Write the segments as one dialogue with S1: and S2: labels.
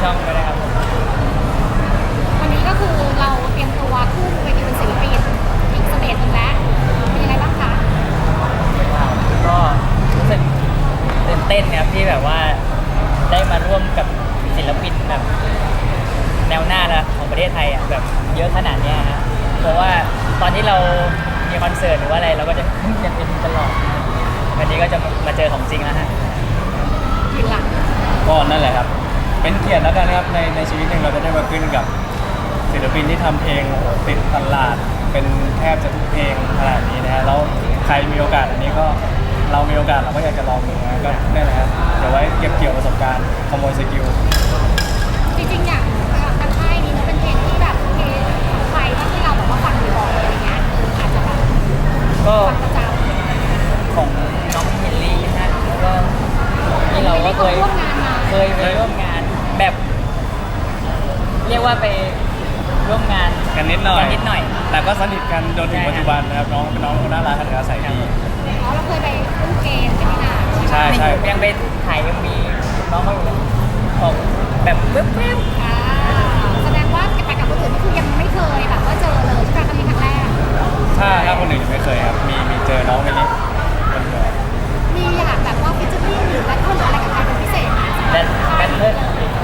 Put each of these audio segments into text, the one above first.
S1: ช่องด้วยนะครับผม
S2: วันนี้ก็คือเราเตรียมตัวขึ้นเวทีเป็นศิลปินอีกสเตจหนึ่งแล้วเป็นยังไงบ้างคะ
S1: ก็รู้สึกตื่นเต้นนะครับที่แบบว่าได้มาร่วมกับศิลปินแบบแนวหน้าละของประเทศไทยอ่ะแบบเยอะขนาดเนี้ยฮะเพราะว่าตอนที่เรามีคอนเสิร์ตหรือว่าอะไรเราก็จะยังเป็นตลอดวันนี้ก็จะมาเจอของจริงแล้วฮะ
S2: ยืนหลัง
S3: ก็นั่นแหละครับเป็นเกียรติแล้วกันครับในชีวิตหนึ่งเราจะได้มาขึ้นกับศิลปินที่ทำเพลงโอ้โหติดตลาดเป็นแทบจะทุกเพลงขนาดนี้นะฮะแล้วใครมีโอกาสอันนี้ก็เรามีโอกาสเราก็อยากจะลองดูนะก็นั่นแหละครับเดี๋ยวไว้เก็บเกี่ยวประสบการณ์ขโมยสกิล
S2: จริงๆอย่างทางค่ายนี้มันเป็นเพลงที่แบบเพลงของใครที่เราแบบว่าฟังบ่อยๆอะไรเงี้ยอาจจะแบบ
S1: ก็
S2: ฟังประจำ
S1: ของน้องเฮนรี่นะฮะแล้วก็นี่เราก็เคย
S2: ร่วมงานมา
S1: ไปร่วมงานแบบ เรียกว่าไปร่วมงาน
S3: กันนิดหน่อย แต่ก็สนิทกันจนถึงปัจจุบันนะครับน้องเป็นน้องคนน่ารักกันอาศัยดี
S2: อ๋อเราเคยไปเล่นเกมกันนี่นา
S3: ใช่ใช่
S1: ยังไปถ่ายยังมีน้องเขาอยู่เลยบอกแบบปึ๊บ
S2: อ่าแสดงว่าไปกับคนอื่นนี่คือยังไม่เคยแบบว่าเจอเลยใช่ไหมครั้งนี้ครั้งแรก
S3: ถ้าคนอื่นยังไม่เคยครับมีเจอน้องคนนี้คนเดียว
S2: มีอยากแบบว่าฟิชเชอร์ลิ่งหรือแบทเทิลอะไรกับใครเป็นพิเศษไหม
S1: แบทเทิล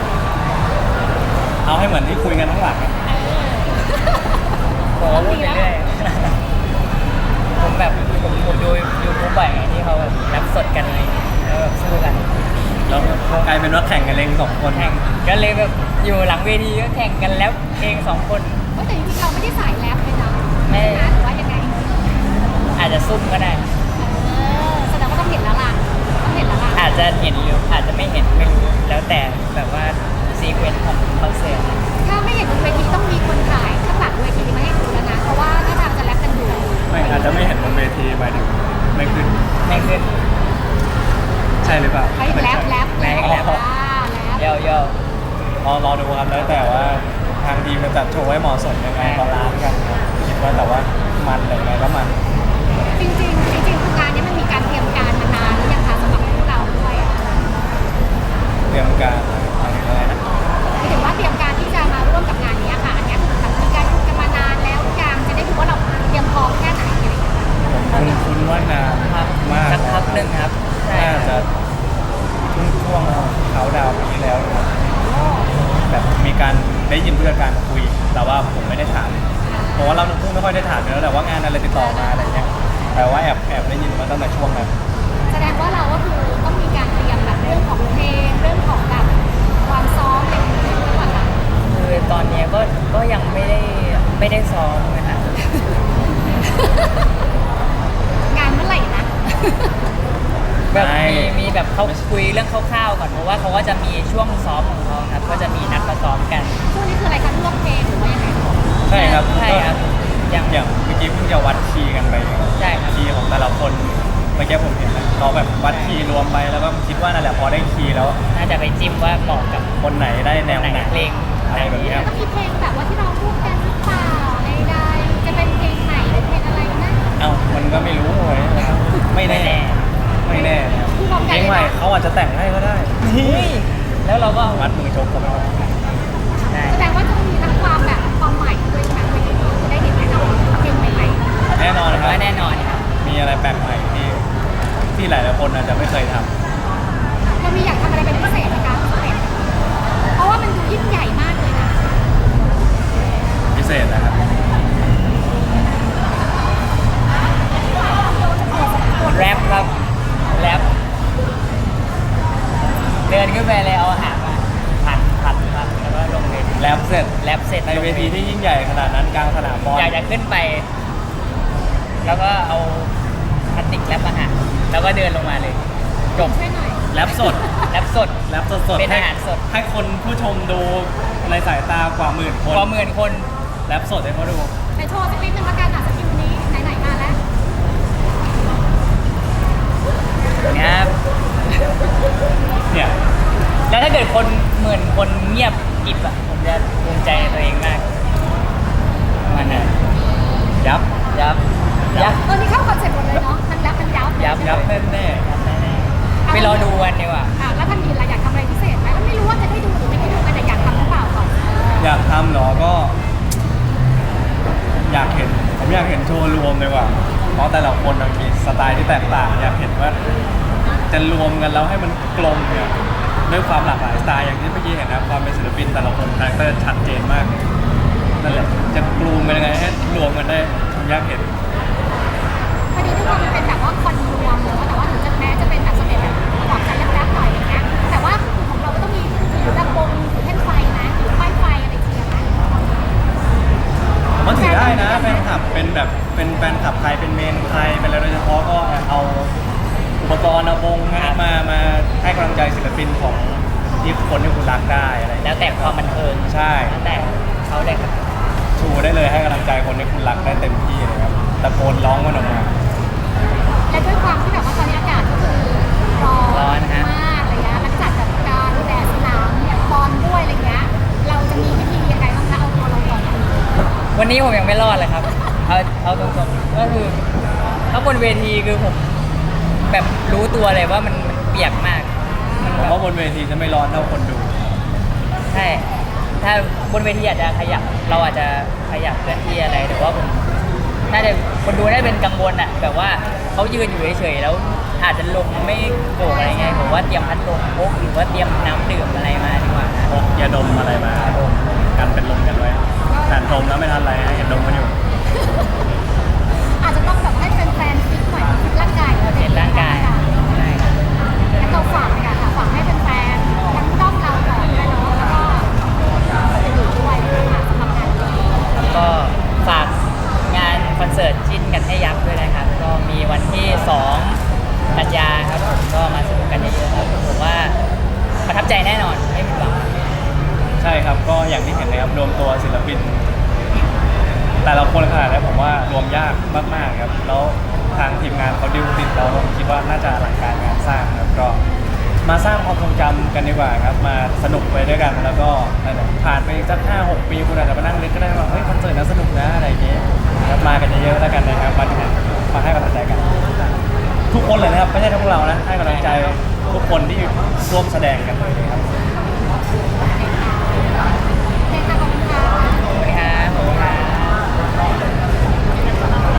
S3: เอาให้เหมือนที่คุยกันทั้งหลังอะ
S1: ผมก็พูดไปเรื่อยผมแบบผมดูยูทูบบ่อยไงที่เขาแบบแรปสดกันอะไรอย่างเงี้ยแล้วแบบสู้กัน
S3: แล้วกลายเป็นว่าแข่งกันเองสองคน
S1: แข่งก็เลยแบบอยู่หลังเวทีก็แข่งกันแล้วเอง2 คน
S2: แต่จริงๆเราไม่ได้สายแรปเลยนะ
S1: ไม่
S2: นะหรือว่ายังไง
S1: อาจจะซุ่มก็ได้
S2: แสดงว่าต้องเห็นแล้วล่ะต้องเห็นแล้วล่ะ
S1: อาจจะเห็นหรืออาจจะไม่เห็นไม่รู้แล้วแต่แบบว่าซีเควนซ์ของคอนเสิร์ต
S2: ถ้าไม่เห็นบนเวทีต้องมีคนถ่ายข้างหลังเวทีมาให้ดูแล้วนะเพราะว่าถ้าทางจะแรปกันอยู่
S3: ไม่อาจจะไม่เห็นบนเวทีหมายถึงไม่ขึ้น
S1: ไม่ขึ้น
S3: ใช่หรือเปล่า
S2: ใช้แรปแรป
S1: แรปแรป
S2: แรป
S1: เย่อ
S3: รอดูครับแล้วแต่ว่าทางทีมจะจัดโชว์ให้เหมาะสมยังไงบาลานซ์กันครับคิดว่าแต่ว่ามันแต่ยังไงก็มัน
S2: จริงๆคืองานนี้มันมีการเตรียมการมานานหรือยังคะสำหรับพวกเราด้วยอ่ะ
S3: เตรียมการหมายถึงอะไรนะ
S2: หมายถึงว่าเตรียมการที่จะมาร่วมกับงานนี้ค่ะอันนี้คือแบบมีการคุยกันมานานแล้วหรือยังจะได้ดูว่าเราเตรียมพร้อมแค่ไหนอะไรอย่างเงี้ย
S3: คุณว่านาน
S1: ครับ
S3: มาก
S1: สักพักหนึ่งครับใช่
S3: น่าจะช่วงเขาดาวน์ปีที่แล้วนะครับแบบมีการได้ยินผู้จัดการมาคุย แต่ว่าผมไม่ได้ถามเพราะว่าเราเพิ่งไม่ค่อยได้ถามอยู่แล้วแต่ว่างานอะไรติดต่อมาอะไรเงี้ยแต่ว่าแอบได้ยินมาตั้งแต่ช่วงนั้น
S2: แสดงว่าเราก็คือต้องมีการเตรียมแบบเรื่องของเพลงเรื่องของแบบความซ้อมอะไรอย่างเงี้ยด้วยค่ะ
S1: คือตอนนี้ก็ยังไม่ได้ซ้อมนะฮะ
S2: งานเมื่อไหร่นะ
S1: แบบมีแบบเขาคุยเรื่องคร่าวๆก่อนเพราะว่าเขาก็จะมีช่วงซ้อมของเขาครับก็จะมีนัดมาซ้อมกัน
S2: ช่วงนี้คืออะไรคะเลือกเพลงหรือว่ายังไง
S3: ใช่ครับ
S1: ใช่ครับอย่าง
S3: อย่างเมื่อกี้เพิ่งจะวัดคีย์กันไป
S1: ใช่ครับ
S3: คีย์ของแต่ละคนเมื่อกี้ผมเห็นนะเขาแบบวัดคีย์รวมไปแล้วก็คิดว่านั่นแหละพอได้คีย์แล้ว
S1: น่าจะไปจิ้มว่าเหมาะกับ
S3: คนไหนได้แนวไหน
S1: เพลง
S3: อะไรแบบนี้ครับ
S2: ก็มีเพลงแบบว่าที่เราพูดกันหรือเปล่าใดๆจะเป็นเพลงไหนหรือเพลงอะไรนะ
S3: เอ้ามันก็ไม่รู้เลยนะครับไม่แน่ไม่แน่นะครับ
S2: คือพร้อม
S3: เพ
S2: กัน
S3: ลง
S2: เลย
S3: ใหม่
S2: นะ
S3: เขาอาจจะแต่งให้ก็ได้
S1: แล้วเราก็
S3: มัดมือชกเขาไปหมด
S1: ได้
S2: แสดงว่าจะมีทั้งความแบบความใหม่ด้วยใช่ไหมเวทีนี้จะได้เห็นแน่นอนเพลงใหม่
S3: แน่นอนนะครับ
S1: ว่าแน่นอนครับ
S3: มีอะไรแปลกใหม่ที่หลายๆคนอาจจะไม่เคยท
S2: ๆเรามีอยากทำอะไรเป็นพิเศษไหมคะเพราะว่ามันดูยิ่งใหญ่มากเลยนะ
S3: ำพิเศษนะครับ
S1: แรปครับแรปเดินขึ้นไปเลยเอาอาหารมาผัดแล้วก็ลงเวที
S3: แรปเสร็จ
S1: แรปเสร็จ
S3: ในเวทีที่ยิ่งใหญ่ขนาดนั้นกลางสนามบอล
S1: อยากจะขึ้นไป แล้วก็เอาพลาสติกแรปอาหารแล้วก็เดินลงมาเลยจบ
S2: ช่วยหน่อย
S3: แรปสด
S1: แรปสด
S3: แรปสด
S1: เป็น
S3: ให้
S1: อาหารสด
S3: ให้คนผู้ชมดูในสายตากว่าหมื่นคน
S1: กว่า10,000 คน
S3: แรปสดให้เขาดู
S2: ไปโชว์สักนิดนึงละกันอ่ะสกิลนี้ไหนๆมาแล้ว
S1: นะครับ
S3: เนี่ย
S1: แล้วถ้าเกิดคน10,000 คนเงียบกริบอ่ะผมจะภูมิใจในตัวเองมากมันนะ
S3: ยับ
S1: ยับ
S2: นี่เข้าคอนเซ็ปต์หมดเลยเนาะมันแล้วมันยับ
S3: ยับแน่แน่
S1: ยับแน่ๆไปรอดูกันดีกว่า
S2: แล้วท่านมีอะไรอยากทำอะไรพิเศษไหมแล้วไม่รู้ว่าจะได้ดูหรือไม่ได้ดูกันแต่อยาก
S3: ชว์รวมดีกว่าเพราะแต่ละคนมันมีสไตล์ที่แตกต่างอยากเห็นว่าจะรวมกันแล้วให้มันกลมเนี่ยด้วยความหลากหลายสไตล์อย่างที่เมื่อกี้เห็นนะความเป็นศิลปินแต่ละคนคาแรคเตอร์ชัดเจนมากเลยนั่นแหละจะกลูมเป็นยังไงให้รวมกันได้ผมอยากเห็น
S2: พอดีทุกคนมันเป็นแบบว่าคอนรวมเนอะแต่ว่าถึงจะแม้จะเป็นแบบสเต็ปแบบหวานใจแรปๆหน่อยอย่างเงี้ยแต่ว่าของเราก็ต้องมีถือลำโพงถือแท่นไฟนะถือป้ายไฟอะไรอย่างเงี้ยนะ
S3: มันถือได้นะแฟนคลับเป็นแบบเป็นแฟนคลับใครเป็นเมนใครเป็นอะไรโดยเฉพาะก็เอาอุปกรณ์เอาวงมาให้กำลังใจศิลปินของที่คนที่คุณรักได้อะไรอย่าง
S1: แล้
S3: เงี้
S1: วยแต่ความบันเทิง
S3: ใช่
S1: แล้วแต่เขาได้ครับ
S3: ชูได้เลยให้กำลังใจคนที่คุณรักได้เต็มที่เลยครับตะโกนร้องมันออกมา
S2: และด้วยความที่แบบว่าตอนนี้อากาศก็คือร้อนมากอะไรเงี้ยแล้วจัดแบบการแดดสนามบอลด้วยอะไรเงี้ยเราจะมีวิธียังไงบ้างคะเอาตัวเราก่อน
S1: วันนี้ผมยังไม่รอดเลยครับ เอาตรงๆก็คือถ้าบนเวทีคือผมแบบรู้ตัวเลยว่ามันเปียกมากมัน
S3: ผม
S1: แบบ
S3: ว่าบนเวทีจะไม่ร้อนเท่าคนดู
S1: ใช่ ถ้าบนเวทีอาจจะขยับ เราอาจจะขยับเคลื่อนที่อะไร แต่ว่าผมน่าจะคนดูน่าจะเป็นกังวลอะแบบว่าเขายืนอยู่เฉยๆแล้วอาจจะลมไม่โกรกอะไรเงี้ยผมว่าเตรียมพัดลมพกหรือว่าเตรียมน้ำดื่มอะไรมาดีกว่านะ
S3: พกยาดมอะไรมากันเป็นลมกันไว้แต่ดมแล้วไม่ทันไรนะเห็นดมกันอยู่
S2: อาจจะต้องแบบให้แฟนๆฟิตหน่อยฟิตร่างกาย
S1: เปลี่ยนร่างกายใช่ครับ
S2: แล้วเราฝากเลยค่ะฝากให้แฟนๆทั้งด้อมเราก่อนด้วยเนาะแล้วก็อื่นๆด้วยนะคะสำหรับงานนี้
S1: ก็ฝากงานคอนเสิร์ตจิ้นกันให้ยักษ์ด้วยนะครับ ก็มีวันที่ 2 กันยาครับผมก็มาสนุกกันเยอะๆครับผมว่าประทับใจแน่นอนไม่ผิดหวัง
S3: ใช่ครับก็อย่างที่เห็นนะครับรวมตัวศิลปิน แต่ละคนขนาดนี้ผมว่ารวมยากมากๆครับแล้วทางทีมงานเขาดิวติดเราผมคิดว่าน่าจะอลังการงานสร้างครับก็มาสร้างความทรงจำกันดีกว่าครับมาสนุกไปด้วยกันแล้วก็นั่นแหละผ่านไปสัก5-6 ปีคุณอาจจะมานั่งนึกก็ได้ว่าเฮ้ยคอนเสิร์ตน่าสนุกนะอะไรอย่างเงี้ยครับมากันเยอะๆแล้วกันนะครับมาดูมาให้กำลังใจกัน ทุกคนเลยนะครับไม่ใช่แค่พวกเรานะให้กำลังใจทุกคนที่ร่วมแสดงกันเลยนะครับ